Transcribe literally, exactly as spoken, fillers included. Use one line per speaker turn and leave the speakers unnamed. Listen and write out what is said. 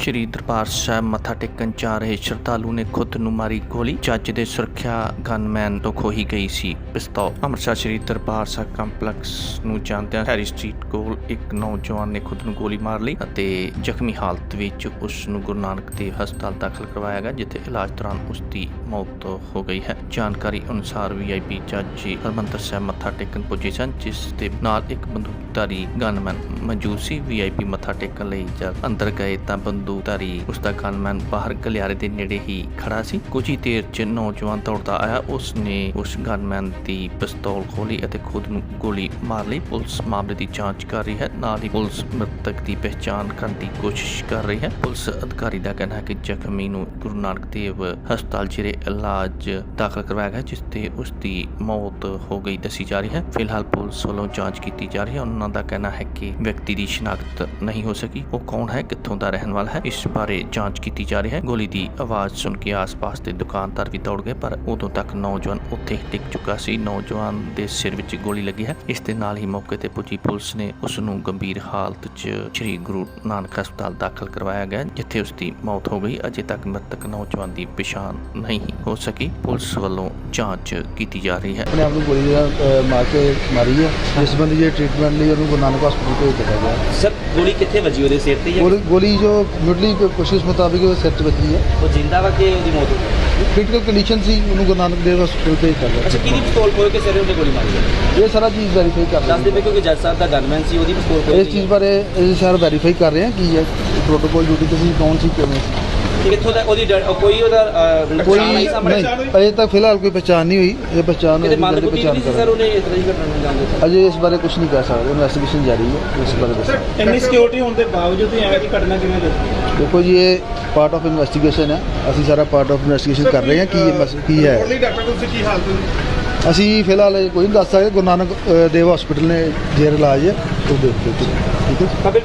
श्री दरबार साहब मत्था टेकन जा रहे श्रद्धालु ने खुद ਨੂੰ ਮਾਰੀ ਗੋਲੀ। ਜੱਜ ਦੇ ਸੁਰੱਖਿਆ ਗਨਮੈਨ ਤੋਂ ਖੋਹੀ ਗਈ ਸੀ ਪਿਸਤੌਲ। ਅੰਮ੍ਰਿਤਸਰ ਸ਼੍ਰੀ ਦਰਬਾਰ ਸਾਹਿਬ ਕੰਪਲੈਕਸ ਨੂੰ ਜਾਂਦਿਆਂ ਹੈਰੀ ਸਟਰੀਟ ਕੋਲ ਇੱਕ ਨੌਜਵਾਨ ਨੇ ਖੁਦ ਨੂੰ ਗੋਲੀ ਮਾਰ ਲਈ ਅਤੇ ਜ਼ਖਮੀ ਹਾਲਤ ਵਿੱਚ ਉਸ ਨੂੰ ਗੁਰੂ ਨਾਨਕ ਦੇਵ ਹਸਪਤਾਲ ਦਾਖਲ ਕਰਵਾਇਆ ਗਿਆ, ਜਿੱਥੇ ਇਲਾਜ ਦੌਰਾਨ ਉਸ ਦੀ ਮੌਤ ਹੋ ਗਈ ਹੈ। ਜਾਣਕਾਰੀ ਅਨੁਸਾਰ ਵੀ ਆਈ ਪੀ ਜੱਜ ਜੀ ਹਰਿਮੰਦਰ ਸਾਹਿਬ ਮੱਥਾ ਟੇਕਣ ਪੁੱਜੇ ਸਨ, ਜਿਸ ਦੇ ਨਾਲ ਇੱਕ ਬੰਦੂਕਧਾਰੀ ਗਨਮੈਨ ਮੌਜੂਦ ਸੀ। ਵੀ ਆਈ ਪੀ ਮੱਥਾ ਟੇਕਣ ਲਈ ਜਦ ਅੰਦਰ ਗਏ ਤਾਂ ਬੰਦੂਕਧਾਰੀ ਉਸ ਦਾ ਗਨਮੈਨ ਬਾਹਰ ਗਲਿਆਰੇ ਦੇ ਨੇੜੇ ਹੀ ਖੜਾ ਸੀ। ਕੁਝ ਹੀ ਦੇਰ 'ਚ ਨੌਜਵਾਨ ਦੌੜਦਾ ਆਇਆ, ਉਸ ਨੇ ਉਸ ਗਨਮੈਨ ਦੀ ਪਿਸਤੌਲ ਖੋਲੀ ਅਤੇ ਖੁਦ ਨੂੰ ਗੋਲੀ ਮਾਰ ਲਈ। ਪੁਲਿਸ ਮਾਮਲੇ ਦੀ ਜਾਂਚ ਕਰ ਰਹੀ ਹੈ, ਨਾਲ ਹੀ ਪੁਲਿਸ ਮ੍ਰਿਤਕ ਦੀ ਪਹਿਚਾਣ ਕਰਨ ਦੀ ਕੋਸ਼ਿਸ਼ ਕਰ ਰਹੀ ਹੈ। ਪੁਲਿਸ ਅਧਿਕਾਰੀ ਦਾ ਕਹਿਣਾ ਹੈ ਕਿ ਜ਼ਖਮੀ ਨੂੰ ਗੁਰੂ ਨਾਨਕ ਦੇਵ ਹਸਪਤਾਲ ਜਿਹੜੇ ਇਲਾਜ ਦਾਖਲ ਕਰਵਾਇਆ ਗਿਆ, ਜਿਸ ਤੇ ਉਸ ਦੀ ਮੌਤ ਹੋ ਗਈ ਦੱਸੀ ਜਾ ਰਹੀ ਹੈ। ਫਿਲਹਾਲ ਪੁਲਿਸ ਵੱਲੋਂ ਜਾਂਚ ਕੀਤੀ ਜਾ ਰਹੀ ਹੈ। ਉਹਨਾਂ ਦਾ ਕਹਿਣਾ ਹੈ ਕਿ ਵਿਅਕਤੀ ਦੀ ਸ਼ਨਾਖਤ ਨਹੀਂ ਹੋ ਸਕੀ, ਉਹ ਕੌਣ ਹੈ, ਕਿੱਥੋਂ ਦਾ ਰਹਿਣ ਵਾਲਾ ਹੈ, ਇਸ ਬਾਰੇ ਜਾਂਚ ਕੀਤੀ ਜਾ ਰਹੀ ਹੈ। ਗੋਲੀ ਦੀ ਆਵਾਜ਼ ਸੁਣ ਕੇ ਆਸ-ਪਾਸ ਦੇ ਦੁਕਾਨਦਾਰ ਵੀ ਦੌੜ ਗਏ, ਪਰ ਉਦੋਂ ਤੱਕ ਨੌਜਵਾਨ ਉੱਥੇ ਹੀ ਡਿੱਗ ਚੁੱਕਾ ਸੀ। ਨੌਜਵਾਨ ਦੇ ਸਿਰ ਵਿੱਚ ਗੋਲੀ ਲੱਗੀ ਹੈ। ਇਸ ਦੇ ਨਾਲ ਹੀ ਮੌਕੇ ਤੇ ਪੁੱਜੀ ਪੁਲਿਸ ਨੇ ਉਸ ਨੂੰ ਗੰਭੀਰ ਹਾਲਤ 'ਚ ਸ੍ਰੀ ਗੁਰੂ ਨਾਨਕ ਹਸਪਤਾਲ ਦਾਖਲ ਕਰਵਾਇਆ ਗਿਆ, ਜਿੱਥੇ ਉਸ ਦੀ ਮੌਤ ਹੋ ਗਈ। ਅਜੇ ਤੱਕ ਮ੍ਰਿਤਕ ਨੌਜਵਾਨ ਦੀ ਪਛਾਣ ਨਹੀਂ ਹੋ ਸਕੀ। ਪੁਲਿਸ ਵੱਲੋਂ ਜਾਂਚ ਕੀਤੀ ਜਾ ਰਹੀ ਹੈ।
ਆਪਣੇ ਆਪ ਨੂੰ ਗੋਲੀ ਮਾਰ ਕੇ ਮਾਰੀ ਹੈ, ਜਿਸ ਬੰਦੇ ਦੇ ਟ੍ਰੀਟਮੈਂਟ ਲਈ ਉਹਨੂੰ ਗੁਰੂ ਨਾਨਕ ਹਸਪਤਾਲ ਭੇਜ ਦਿੱਤਾ ਗਿਆ।
ਸਰ ਗੋਲੀ ਕਿੱਥੇ ਵੱਜੀ, ਉਹਦੇ ਸਿਰ ਤੇ?
ਗੋਲੀ ਗੋਲੀ ਜੋ ਮੁੱਢਲੀ ਕੋਸ਼ਿਸ਼ ਮੁਤਾਬਿਕ ਉਹ ਸਿਰ 'ਚ ਵੱਜੀ ਹੈ।
ਉਹ ਜਿੰਦਾ ਵਾ ਕਿ ਉਹਦੀ ਮੌਤ ਹੋ ਗਈ?
ਕ੍ਰਿਟੀਕਲ ਕੰਡੀਸ਼ਨ ਸੀ, ਉਹਨੂੰ ਗੁਰੂ ਨਾਨਕ ਦੇਵ ਹਸਪਤਾਲ ਭੇਜ ਦਿੱਤਾ ਗਿਆ।
ਅੱਛਾ, ਕਿਹਦੀ ਪਿਸਤੌਲ ਖੋਲ ਕੇ ਸਿਰ ਉਹਨੇ ਗੋਲੀ ਮਾਰੀ ਹੈ?
ਇਹ ਸਾਰਾ ਚੀਜ਼ ਵੈਰੀਫਾਈ ਕਰ ਰਹੇ
ਦੱਸ ਦੇਵੇ ਕਿਉਂਕਿ ਜੱਜ ਸਾਹਿਬ ਦਾ ਗਨਮੈਨ ਸੀ, ਉਹਦੀ ਪਿਸਤੌਲ ਖੋਲ
ਇਸ ਚੀਜ਼ ਬਾਰੇ ਇਹ ਸਾਰਾ ਵੈਰੀਫਾਈ ਕਰ ਰਹੇ ਹਾਂ ਕੀ ਹੈ ਪ੍ਰੋਟੋਕੋਲ ਡਿਊਟੀ ਤੇ ਸੀ, ਕੌਣ ਸੀ, ਕਿਵੇਂ ਸੀ।
ਕਿੱਥੋਂ ਦਾ ਉਹਦੀ ਡ- ਕੋਈ ਉਹਦਾ
ਕੋਈ ਨਹੀਂ, ਅਜੇ ਤੱਕ ਫਿਲਹਾਲ ਕੋਈ ਪਛਾਣ ਨਹੀਂ ਹੋਈ। ਇਹ ਪਛਾਣ
ਕਿਤੇ
ਹੋਈ
ਮੰਨ
ਤਾਂ
ਕੁੱਟੀ
ਪਛਾਣ
ਨਹੀਂ ਸੀ ਸਰ,
ਕਰਾਂਗੇ।
ਉਹਨੇ ਇਸ ਤਰ੍ਹਾਂ ਹੀ ਘਟਨਾ ਨੂੰ ਅੰਜਾਮ ਦਿੱਤਾ?
ਅਜੇ ਇਸ ਬਾਰੇ ਕੁਝ ਨਹੀਂ ਕਹਿ ਸਕਦੇ, ਇਨਵੈਸਟੀਗੇਸ਼ਨ ਜਾਰੀ ਹੈ। ਇਸ ਬਾਰੇ ਦੱਸੋ।
ਇੰਨੀ ਸਿਕਿਉਰਿਟੀ ਹੋਣ ਦੇ ਬਾਵਜੂਦ ਵੀ ਐਵੇਂ ਦੀ ਘਟਨਾ ਕਿਵੇਂ ਹੋਈ?
ਦੇਖੋ ਜੀ, ਇਹ ਪਾਰਟ ਆਫ ਇਨਵੈਸਟੀਗੇਸ਼ਨ ਹੈ। ਅਸੀਂ ਸਾਰਾ ਪਾਰਟ ਆਫ ਇਨਵੈਸਟੀਗੇਸ਼ਨ ਕਰ ਰਹੇ ਹਾਂ ਕੀ ਇਹ ਮਸ- ਕੀ ਹੈ।
ਡਾਕਟਰ ਤੁਸੀਂ ਕੀ ਹਾਲਤ ਹੋਈ?
ਅਸੀਂ ਫਿਲਹਾਲ ਇਹ ਕੋਈ ਨਹੀਂ ਦੱਸ ਸਕਦੇ। ਗੁਰੂ ਨਾਨਕ ਅ, ਦੇਵ ਹਸਪੀਟਲ ਨੇ ਜੇਰ ਇਲਾਜ ਹੈ, ਉਹ ਦੇਖ ਕੇ ਠੀਕ ਹੈ।